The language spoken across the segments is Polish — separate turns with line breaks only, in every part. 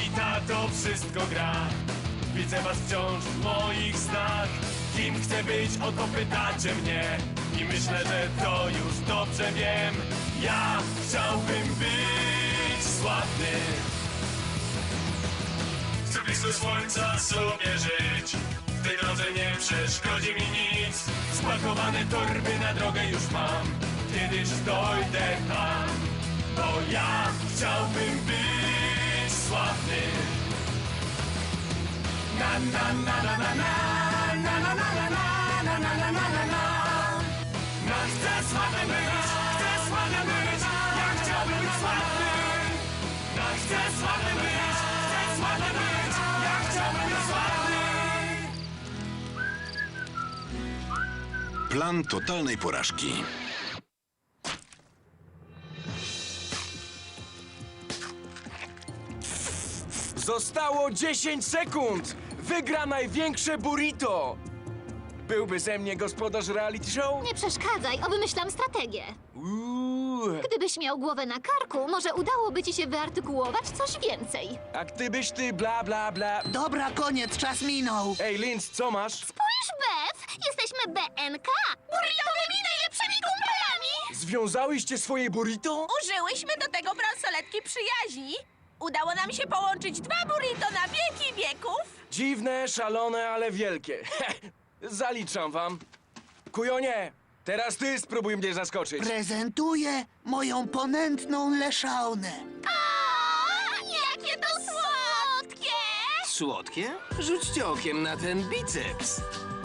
Lolita to wszystko gra. Widzę was wciąż w moich snach. Kim chcę być, o to pytacie mnie. I myślę, że to już dobrze wiem. Ja chciałbym być sławny. Chcę blisko słońca sobie żyć. W tej drodze nie przeszkodzi mi nic. Spakowane torby na drogę już mam. Kiedyś dojdę tam. Bo ja chciałbym być sławny. Na na na na na na na na na na na na na na na na. Chcę sławny być, chcę sławny być. Ja chciałbym być sławny. Chcę sławny być, chcę sławny być. Ja chciałbym być sławny.
Plan totalnej porażki.
Zostało 10 sekund! Wygra największe burrito! Byłby ze mnie gospodarz reality show?
Nie przeszkadzaj, obmyślam strategię. Gdybyś miał głowę na karku, może udałoby ci się wyartykułować coś więcej.
A gdybyś ty bla bla bla...
Dobra, koniec, czas minął.
Ej, Linz, co masz?
Spójrz, Beth! Jesteśmy BNK! Burritowymi najlepszymi kumpelami!
Związałyście swoje burrito?
Użyłyśmy do tego bransoletki przyjaźni. Udało nam się połączyć 2 burrito na wieki wieków.
Dziwne, szalone, ale wielkie. Zaliczam wam. Kujonie, teraz ty spróbuj mnie zaskoczyć.
Prezentuję moją ponętną leszaunę.
Jakie to słodkie!
Słodkie? Rzućcie okiem na ten biceps.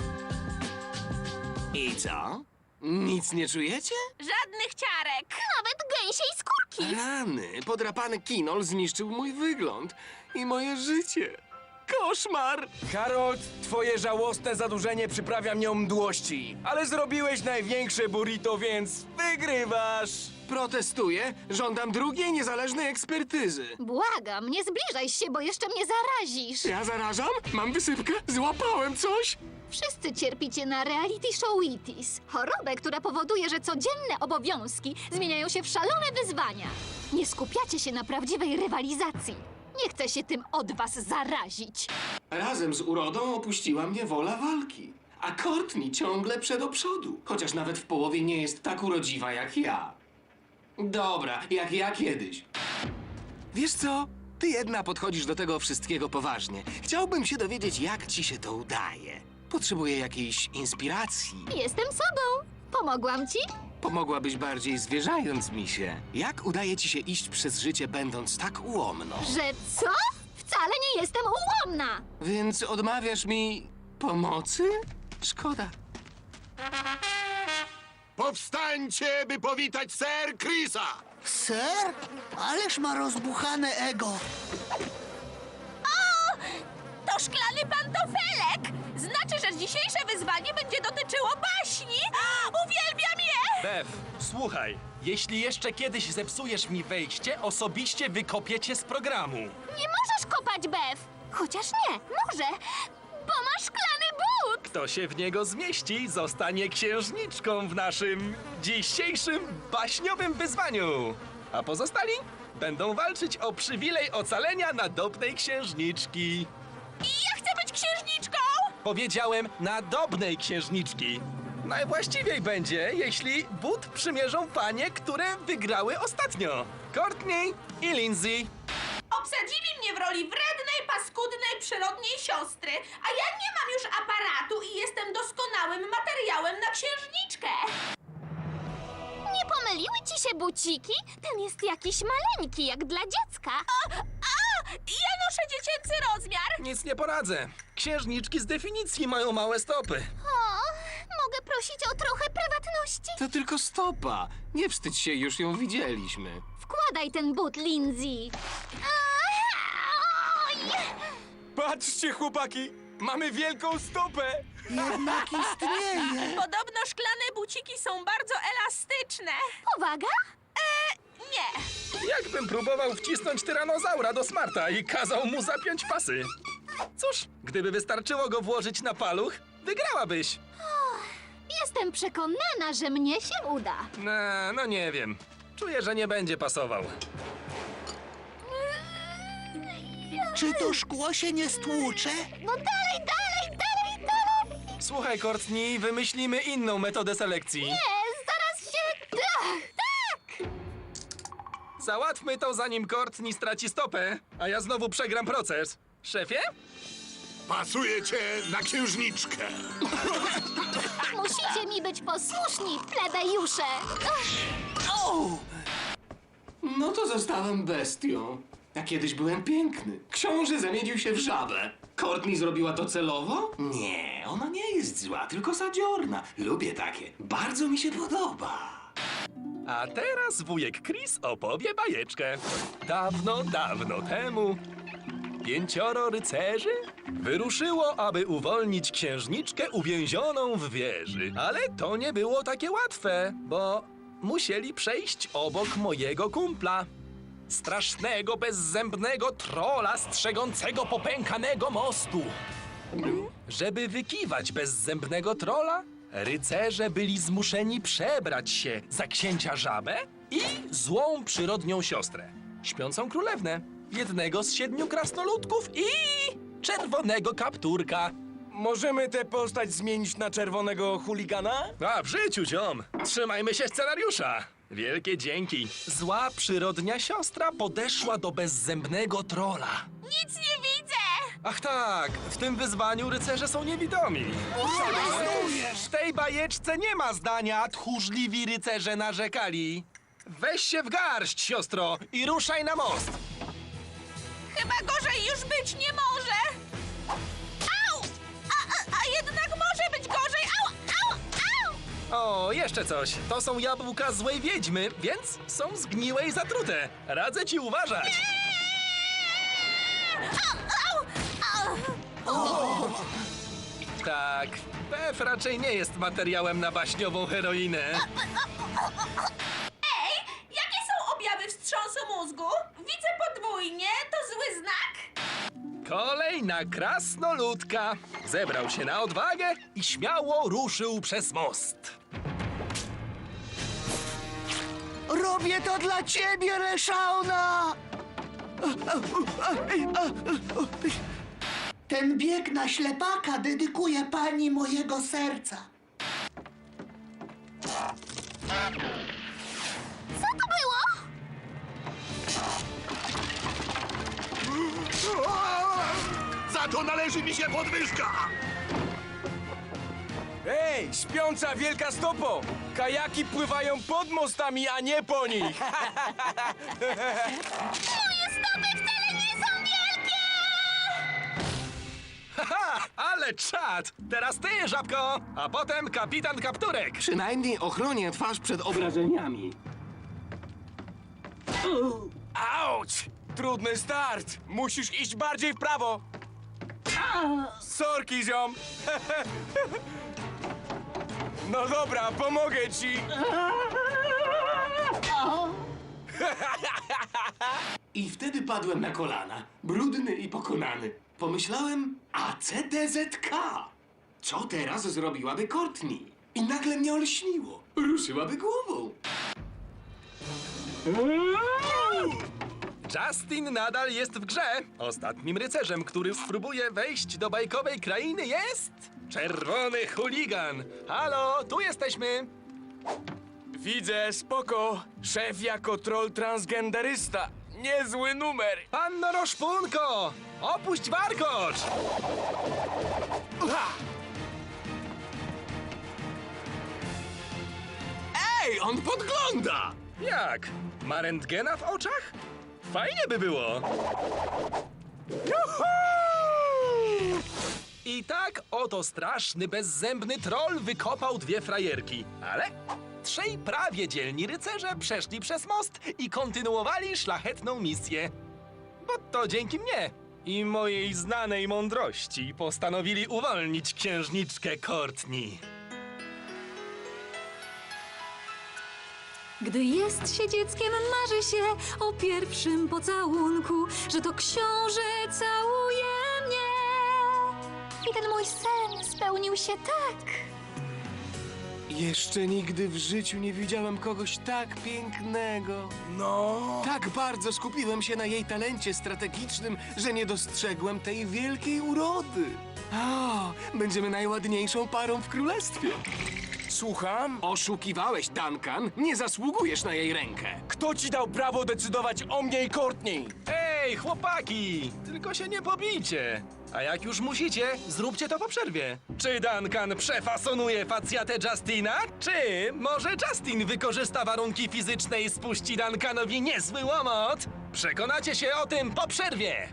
I co? Nic nie czujecie?
Żadnych ciarek.
Nawet gęsiej skórki!
Rany, podrapany kinol zniszczył mój wygląd i moje życie. Koszmar!
Harold, twoje żałosne zadłużenie przyprawia mnie o mdłości. Ale zrobiłeś największe burrito, więc wygrywasz.
Protestuję, żądam drugiej niezależnej ekspertyzy.
Błagam, nie zbliżaj się, bo jeszcze mnie zarazisz.
Ja zarażam? Mam wysypkę? Złapałem coś?
Wszyscy cierpicie na reality showitis. Chorobę, która powoduje, że codzienne obowiązki zmieniają się w szalone wyzwania. Nie skupiacie się na prawdziwej rywalizacji. Nie chcę się tym od was zarazić.
Razem z urodą opuściła mnie wola walki. A Courtney ciągle przed do przodu, chociaż nawet w połowie nie jest tak urodziwa jak ja. Dobra, jak ja kiedyś. Wiesz co? Ty jedna podchodzisz do tego wszystkiego poważnie. Chciałbym się dowiedzieć, jak ci się to udaje. Potrzebuję jakiejś inspiracji.
Jestem sobą. Pomogłam ci?
Pomogłabyś bardziej zwierzając mi się. Jak udaje ci się iść przez życie, będąc tak ułomną?
Że co? Wcale nie jestem ułomna.
Więc odmawiasz mi pomocy? Szkoda.
Powstańcie, by powitać Sir Chrisa!
Ser? Ależ ma rozbuchane ego.
To szklany pantofelek. Znaczy, że dzisiejsze wyzwanie będzie dotyczyło baśni. Uwielbiam je!
Bev, słuchaj. Jeśli jeszcze kiedyś zepsujesz mi wejście, osobiście wykopię cię z programu.
Nie możesz kopać, Bev. Chociaż nie, może, bo masz szklany but.
Kto się w niego zmieści, zostanie księżniczką w naszym dzisiejszym baśniowym wyzwaniu. A pozostali będą walczyć o przywilej ocalenia nadobnej księżniczki.
I ja chcę być księżniczką!
Powiedziałem nadobnej księżniczki. Najwłaściwiej będzie, jeśli but przymierzą panie, które wygrały ostatnio. Courtney i Lindsay.
Obsadzili mnie w roli wrednej, paskudnej, przyrodniej siostry, a ja nie mam już aparatu i jestem doskonałym materiałem na księżniczkę.
Nie pomyliły ci się buciki? Ten jest jakiś maleńki, jak dla dziecka.
Ja noszę dziecięcy rozmiar.
Nic nie poradzę. Księżniczki z definicji mają małe stopy.
O, mogę prosić o trochę prywatności?
To tylko stopa. Nie wstydź się, już ją widzieliśmy.
Wkładaj ten but, Lindsay. Oj!
Patrzcie, chłopaki! Mamy wielką stopę!
Jednak istnieje.
Podobno szklane buciki są bardzo elastyczne.
Powaga?
Nie.
Jakbym próbował wcisnąć tyranozaura do smarta i kazał mu zapiąć pasy. Cóż, gdyby wystarczyło go włożyć na paluch, wygrałabyś.
Jestem przekonana, że mnie się uda.
No nie wiem. Czuję, że nie będzie pasował.
Czy to szkło się nie stłucze?
No dalej!
Słuchaj, Courtney, wymyślimy inną metodę selekcji.
Nie, zaraz się... Tak!
Załatwmy to, zanim Courtney straci stopę, a ja znowu przegram proces. Szefie?
Pasuje cię na księżniczkę.
Musicie mi być posłuszni, plebejusze!
No to zostałem bestią. A kiedyś byłem piękny. Książę zamienił się w żabę. Courtney zrobiła to celowo? Nie, ona nie jest zła, tylko zadziorna. Lubię takie. Bardzo mi się podoba.
A teraz wujek Chris opowie bajeczkę. Dawno, dawno temu 5 rycerzy wyruszyło, aby uwolnić księżniczkę uwięzioną w wieży. Ale to nie było takie łatwe, bo musieli przejść obok mojego kumpla. Strasznego, bezzębnego trola strzegącego popękanego mostu. Żeby wykiwać bezzębnego trola, rycerze byli zmuszeni przebrać się za księcia żabę i złą przyrodnią siostrę, śpiącą królewnę, jednego z 7 krasnoludków i czerwonego kapturka.
Możemy tę postać zmienić na czerwonego chuligana?
A w życiu, ziom! Trzymajmy się scenariusza! Wielkie dzięki! Zła przyrodnia siostra podeszła do bezzębnego trola.
Nic nie widzę!
Ach tak, w tym wyzwaniu rycerze są niewidomi. W tej bajeczce nie ma zdania tchórzliwi rycerze narzekali. Weź się w garść, siostro, i ruszaj na most.
Chyba gorzej już być nie może! Au! A jednak może być gorzej! Au!
O, jeszcze coś. To są jabłka złej wiedźmy, więc są zgniłe i zatrute. Radzę ci uważać. Tak, Pef raczej nie jest materiałem na baśniową heroinę.
Ej, jakie są objawy wstrząsu mózgu? Widzę podwójnie, to zły znak?
Kolej na krasnoludka. Zebrał się na odwagę i śmiało ruszył przez most.
Robię to dla ciebie, Reszauna! Ten bieg na ślepaka dedykuję pani mojego serca.
Co to było?
Za to należy mi się podwyżka.
Ej, śpiąca wielka stopo! Kajaki pływają pod mostami, a nie po nich!
Moje stopy wcale nie są wielkie!
Haha, ale czad! Teraz ty, żabko, a potem kapitan Kapturek.
Przynajmniej ochronię twarz przed obrażeniami.
Auć! Trudny start! Musisz iść bardziej w prawo! Sorki, ziom! No dobra, pomogę ci!
I wtedy padłem na kolana, brudny i pokonany. Pomyślałem, ACDZK. Co teraz zrobiłaby Courtney? I nagle mnie olśniło. Ruszyłaby głową.
Justin nadal jest w grze. Ostatnim rycerzem, który spróbuje wejść do bajkowej krainy jest... Czerwony chuligan. Halo, tu jesteśmy.
Widzę, spoko! Szef jako troll transgenderysta. Niezły numer!
Panno Roszpunko, opuść warkocz.
Ej, on podgląda!
Jak? Ma rentgena w oczach? Fajnie by było. Juhu! I tak oto straszny, bezzębny troll wykopał 2 frajerki. Ale 3 prawie dzielni rycerze przeszli przez most i kontynuowali szlachetną misję. Bo to dzięki mnie i mojej znanej mądrości postanowili uwolnić księżniczkę Courtney.
Gdy jest się dzieckiem, marzy się o pierwszym pocałunku, że to książę całuje mnie.
I ten mój sen spełnił się tak.
I Jeszcze nigdy w życiu nie widziałem kogoś tak pięknego.
No.
Tak bardzo skupiłem się na jej talencie strategicznym, że nie dostrzegłem tej wielkiej urody. O, będziemy najładniejszą parą w królestwie.
Słucham?
Oszukiwałeś, Duncan. Nie zasługujesz na jej rękę.
Kto ci dał prawo decydować o mnie i Courtney?
Ej, chłopaki! Tylko się nie pobijcie. A jak już musicie, zróbcie to po przerwie. Czy Duncan przefasonuje facjatę Justina? Czy może Justin wykorzysta warunki fizyczne i spuści Duncanowi niezły łomot? Przekonacie się o tym po przerwie.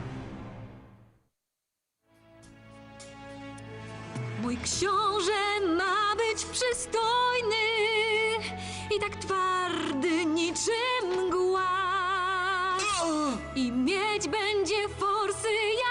Mój książę ma być przystojny i tak twardy niczym mgła. I mieć będzie forsy